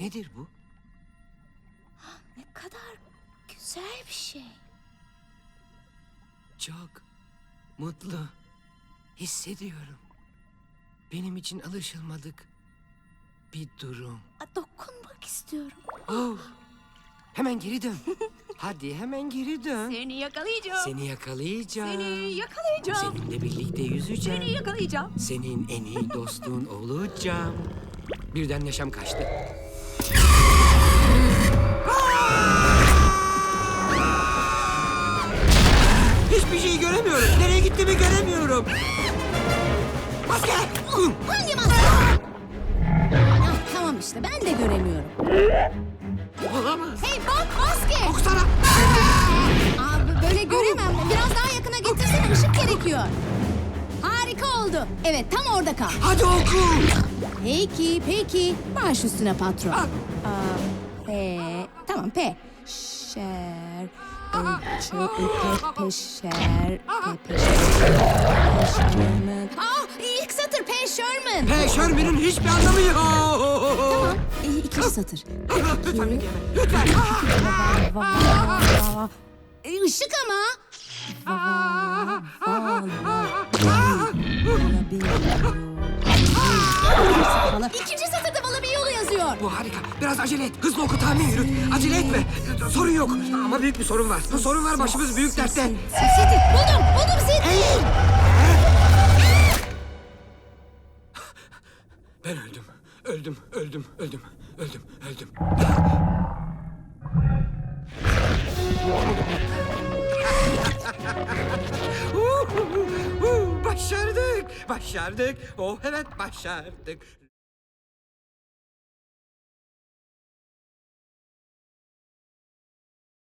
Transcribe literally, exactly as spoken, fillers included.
Nedir bu? Ne kadar güzel bir şey. Çok mutlu hissediyorum. Benim için alışılmadık bir durum. Aa, dokunmak istiyorum. Oh, hemen geri dön. Hadi hemen geri dön. Seni yakalayacağım. Seni yakalayacağım. Seni yakalayacağım. Seninle birlikte yüzeceğim. Seni yakalayacağım. Senin en iyi dostun olacağım. Birden neşem kaçtı. Hiçbir şey göremiyorum. Nereye gittiğimi göremiyorum. Maske! Hangi maske? Ah, tamam işte ben de göremiyorum. Olamaz. Hey bak maske. Oksana! Abi böyle göremem. Biraz daha yakına getirsene, ışık gerekiyor. Harika oldu. Evet tam orada kal. Hadi oku! Peki peki. Baş üstüne patron. Ah. Aa, P. Tamam P. Şer. Ölçü. Pe, peşer. Pe, peşer. Peşerman. Aa ilk satır P. Sherman. Hey Sherman'ın hiçbir anlamı yok. Tamam. E, ikinci satır. Lütfen beni yeme. Lütfen. Va, va, va, va. E, ışık ama. Va, va, va, va. İkinci satırda bana bir yolu yazıyor. Bu harika. Biraz acele et. Hızlı oku, tahmin yürüt. Acele etme. Sorun yok. Ama büyük bir sorun var. Sorun var, başımız büyük dertte. Seti. Buldum. Buldum Seti. Eğil. Ben öldüm. Öldüm, öldüm, öldüm, öldüm, öldüm. Başardık, başardık. Oh evet başardık.